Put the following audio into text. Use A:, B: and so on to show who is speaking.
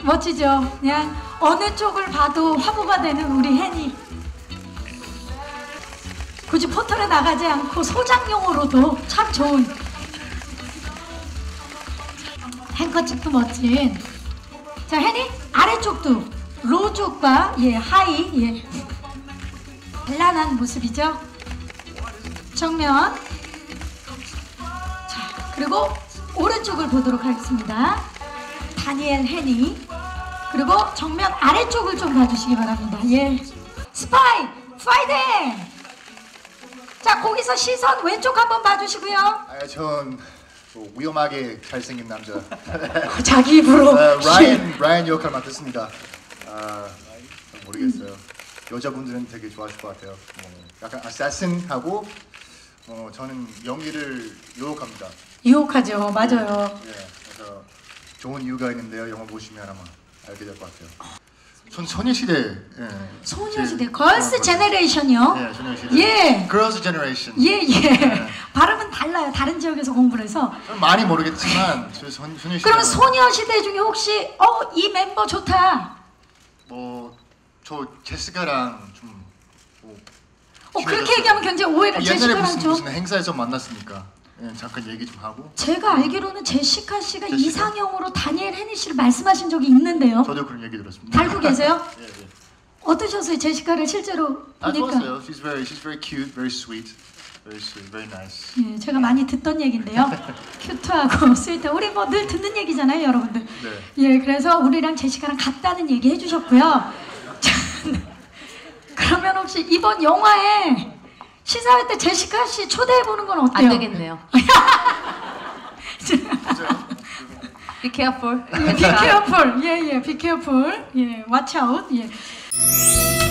A: 멋지죠? 그냥 어느 쪽을 봐도 화보가 되는 우리 혜니. 굳이 포털에 나가지 않고 소장용으로도 참 좋은 행커집도 멋진. 자, 혜니 아래쪽도 로 쪽과 예 하이 예 단란한 모습이죠. 정면. 자, 그리고 오른쪽을 보도록 하겠습니다. 다니엘 혜니. 그리고 정면 아래쪽을 좀 봐주시기 바랍니다. 예. 스파이 파이팅. 자, 거기서 시선 왼쪽 한번 봐주시고요.
B: 아, 전 위험하게 잘생긴 남자.
A: 자기 입으로.
B: 라이언 역할 맡았습니다. 모르겠어요. 여자분들은 되게 좋아하실 것 같아요. 약간 아사신하고 저는 연기를 유혹합니다.
A: 유혹하죠, 맞아요.
B: 예, 그래서 좋은 이유가 있는데요. 영화 보시면 아마 알게 될 것 같아요. 전 소녀시대. 예.
A: 소녀시대, 걸스 제너레이션이요.
B: 예, 소녀시대.
A: 예.
B: Girls Generation.
A: 예, 예. 발음은 달라요. 다른 지역에서 공부를 해서.
B: 많이 모르겠지만 소녀시대.
A: 그럼 소녀시대 중에 혹시 이 멤버 좋다.
B: 저 제시카랑 좀.
A: 그렇게 얘기하면 굉장히 오해를.
B: 옛날에
A: 제시카랑
B: 무슨 행사에서 만났으니까 잠깐 얘기 좀 하고.
A: 제가 알기로는 제시카 씨가 이상형으로 다니엘 혜니 씨를 말씀하신 적이 있는데요.
B: 저도 그런 얘기 들었습니다.
A: 알고 계세요?
B: 예, 예.
A: 어떠셨어요? 제시카를 실제로 보니까.
B: 좋았어요. She's very cute, very sweet, very nice.
A: 예, 제가 많이 듣던 얘긴데요. 큐트하고 스위트. 우리 뭐 늘 듣는 얘기잖아요, 여러분들.
B: 네.
A: 예, 그래서 우리랑 제시카랑 같다는 얘기 해주셨고요. 그러면 혹시 이번 영화에 시사회 때 제시카 씨 초대해 보는 건 어때요?
C: 안 되겠네요. Be careful.
A: Be careful. 예, 예, be careful. 예, watch out. 예.